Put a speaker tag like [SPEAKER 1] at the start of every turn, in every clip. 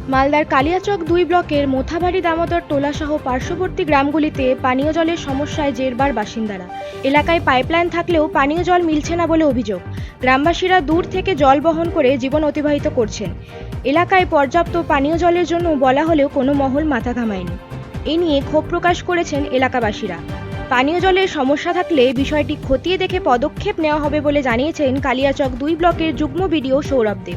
[SPEAKER 1] মালদার কালিয়াচক ২ ব্লকের মোথাবাড়ি দামোদর টোলাসহ পার্শ্ববর্তী গ্রামগুলিতে পানীয় জলের সমস্যায় জেরবার বাসিন্দারা। এলাকায় পাইপলাইন থাকলেও পানীয় জল মিলছে না বলে অভিযোগ। গ্রামবাসীরা দূর থেকে জল বহন করে জীবন অতিবাহিত করছেন। এলাকায় পর্যাপ্ত পানীয় জলের জন্য বলা হলেও কোনো মহল মাথা ঘামায়নি। এ নিয়ে ক্ষোভ প্রকাশ করেছেন এলাকাবাসীরা। পানীয় জলের সমস্যা থাকলে বিষয়টি খতিয়ে দেখে পদক্ষেপ নেওয়া হবে বলে জানিয়েছেন কালিয়াচক ২ ব্লকের যুগ্ম বিডিও সৌরভ দেব।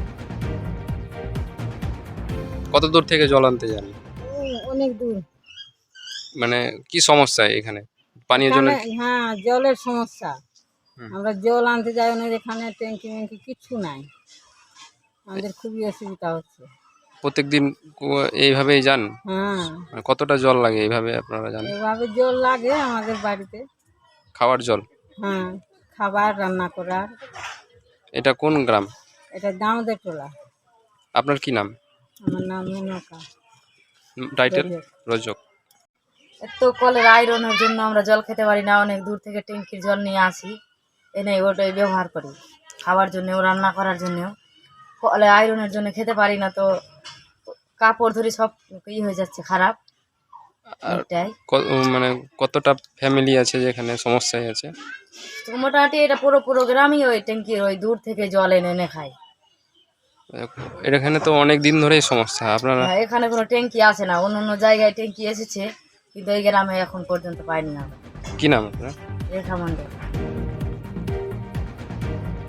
[SPEAKER 2] কত দূর থেকে জল আনতে যান?
[SPEAKER 3] অনেক দূর।
[SPEAKER 2] মানে কি সমস্যা এখানে পানীয় জলের?
[SPEAKER 3] হ্যাঁ, জলের সমস্যা।
[SPEAKER 2] হুম।
[SPEAKER 3] আমরা জল আনতে যাই না, এখানে ট্যাঙ্কি ম্যাঙ্কি কিচ্ছু নাই, আমাদের খুবই অসুবিধা হচ্ছে।
[SPEAKER 2] প্রত্যেকদিন এইভাবেই যান?
[SPEAKER 3] হ্যাঁ,
[SPEAKER 2] মানে কতটা জল লাগে এইভাবে আপনারা জানেন?
[SPEAKER 3] এভাবে জল লাগে আমাদের বাড়িতে।
[SPEAKER 2] খাওয়ার জল?
[SPEAKER 3] হ্যাঁ, খাবার রান্না করার।
[SPEAKER 2] এটা কোন গ্রাম?
[SPEAKER 3] এটা দামোদর টোলা।
[SPEAKER 2] আপনার কি নাম?
[SPEAKER 3] আমার নাম মেনকা।
[SPEAKER 2] টাইটেল?
[SPEAKER 3] রজক।
[SPEAKER 2] রজক।
[SPEAKER 4] এত কলের আয়রনের জন্য আমরা জল খেতে পারি না, অনেক দূর থেকে ট্যাঙ্কির জল নিয়ে আসি, এনে ওটাই ব্যবহার করি খাওয়ার জন্যেও, রান্না করার জন্যেও। কলে আয়রনের জন্য খেতে পারি না, তো কাপড় ধরে সব হয়ে যাচ্ছে খারাপ।
[SPEAKER 2] আর
[SPEAKER 4] এটাই
[SPEAKER 2] মানে কতটা ফ্যামিলি আছে যেখানে সমস্যায় আছে?
[SPEAKER 4] তো মোটামুটি এটা পুরো গ্রামই ওই ট্যাঙ্কির ওই দূর থেকে জল এনে এনে খায়।
[SPEAKER 2] এখানে তো অনেক দিন ধরেই সমস্যা আপনারা।
[SPEAKER 4] হ্যাঁ, এখানে কোনো ট্যাঙ্কি আসে না, অন্য অন্য জায়গায় ট্যাঙ্কি এসেছে, কিন্তু এই গ্রামে এখন পর্যন্ত পাইনি না।
[SPEAKER 2] কি নাম আপনার?
[SPEAKER 4] রেখা মণ্ডল।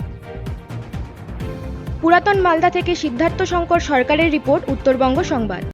[SPEAKER 1] পুরাতন মালদা থেকে সিদ্ধার্থ শঙ্কর সরকারের রিপোর্ট, উত্তরবঙ্গ সংবাদ।